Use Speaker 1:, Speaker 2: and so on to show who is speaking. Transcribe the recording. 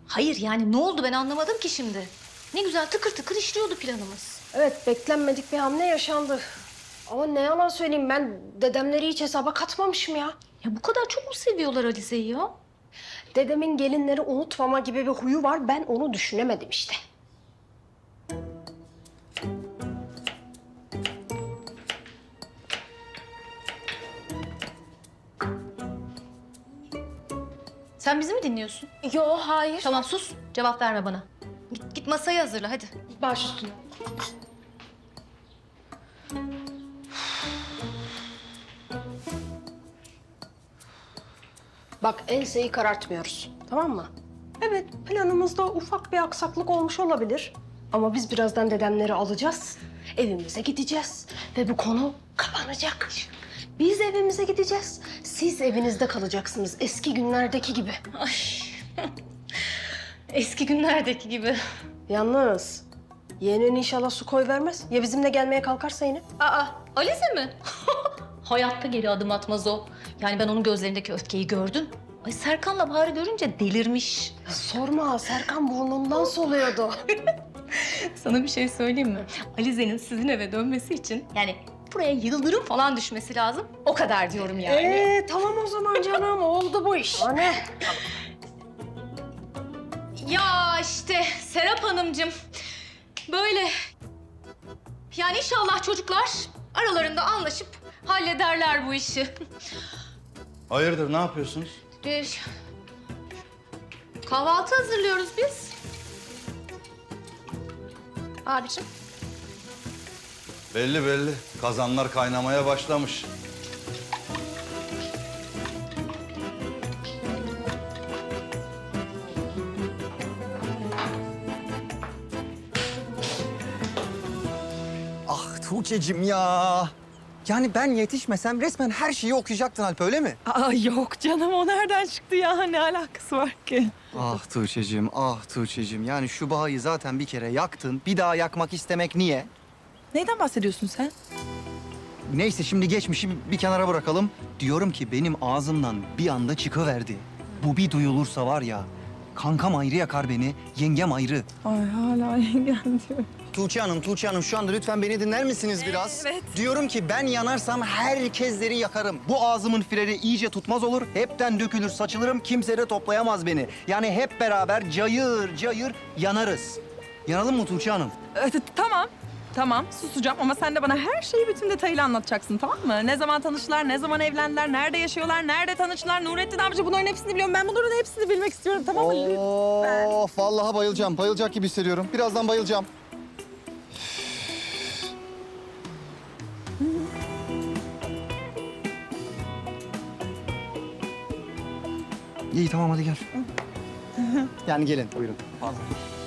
Speaker 1: Hayır yani ne oldu ben anlamadım ki şimdi. Ne güzel tıkır tıkır işliyordu planımız.
Speaker 2: Evet, beklenmedik bir hamle yaşandı. Ama ne yalan söyleyeyim, ben dedemleri hiç hesaba katmamışım ya.
Speaker 1: Ya bu kadar çok mu seviyorlar Alize'yi ya?
Speaker 2: Dedemin gelinleri unutmama gibi bir huyu var, ben onu düşünemedim işte.
Speaker 1: Sen bizi mi dinliyorsun?
Speaker 2: Yo, hayır.
Speaker 1: Tamam sus. Cevap verme bana. Git masayı hazırla hadi.
Speaker 2: Baş üstüne. Bak, enseyi karartmıyoruz, tamam mı? Evet, planımızda ufak bir aksaklık olmuş olabilir. Ama biz birazdan dedemleri alacağız, evimize gideceğiz ve bu konu kapanacak. Biz evimize gideceğiz, siz evinizde kalacaksınız eski günlerdeki gibi.
Speaker 1: Ay. Eski günlerdeki gibi.
Speaker 2: Yalnız yeğenin inşallah su koy vermez. Ya bizimle gelmeye kalkarsa yine?
Speaker 1: Aa, Alize mi? Hayatta geri adım atmaz o. Yani ben onun gözlerindeki öfkeyi gördüm. Ay Serkan'la Bahar'ı görünce delirmiş.
Speaker 2: Ya sorma, Serkan burnundan soluyordu.
Speaker 1: Sana bir şey söyleyeyim mi? Alize'nin sizin eve dönmesi için yani buraya yıldırım falan düşmesi lazım. O kadar diyorum yani.
Speaker 2: Tamam o zaman canım, oldu bu iş. Anne.
Speaker 1: Ya işte Serap Hanımcığım böyle yani inşallah çocuklar aralarında anlaşıp hallederler bu işi.
Speaker 3: Hayırdır, ne yapıyorsunuz?
Speaker 1: Kahvaltı hazırlıyoruz biz. Abiciğim.
Speaker 3: Belli belli. Kazanlar kaynamaya başlamış.
Speaker 4: Ah Tuğçe'cim ya. Yani ben yetişmesem resmen her şeyi okuyacaktın Alp, öyle mi?
Speaker 5: Aa yok canım, o nereden çıktı ya? Ne alakası var ki?
Speaker 4: Ah Tuğçe'cim, ah Tuğçe'cim. Yani şu bağı zaten bir kere yaktın. Bir daha yakmak istemek niye?
Speaker 5: Neyden bahsediyorsun sen?
Speaker 4: Neyse şimdi geçmişi bir kenara bırakalım. Diyorum ki benim ağzımdan bir anda çıkıverdi. Bu bir duyulursa var ya, kankam ayrı yakar beni, yengem ayrı.
Speaker 5: Ay hala yengen diyor.
Speaker 4: Tuğçe Hanım şu anda lütfen beni dinler misiniz biraz?
Speaker 5: Evet.
Speaker 4: Diyorum ki ben yanarsam herkesleri yakarım. Bu ağzımın freni iyice tutmaz olur. Hepten dökülür, saçılırım. Kimse de toplayamaz beni. Yani hep beraber cayır cayır yanarız. Yanalım mı Tuğçe Hanım?
Speaker 5: Tamam susacağım ama sen de bana her şeyi bütün detayıyla anlatacaksın, tamam mı? Ne zaman tanıştılar, ne zaman evlendiler, nerede yaşıyorlar, nerede tanıştılar, Nurettin amca, bunların hepsini biliyorum. Ben bunların hepsini bilmek istiyorum, tamam mı? Lütfen.
Speaker 4: Of vallahi bayılacağım. Bayılacak gibi hissediyorum. Birazdan bayılacağım. İyi tamam hadi gel. Yani gelin buyurun. Pardon.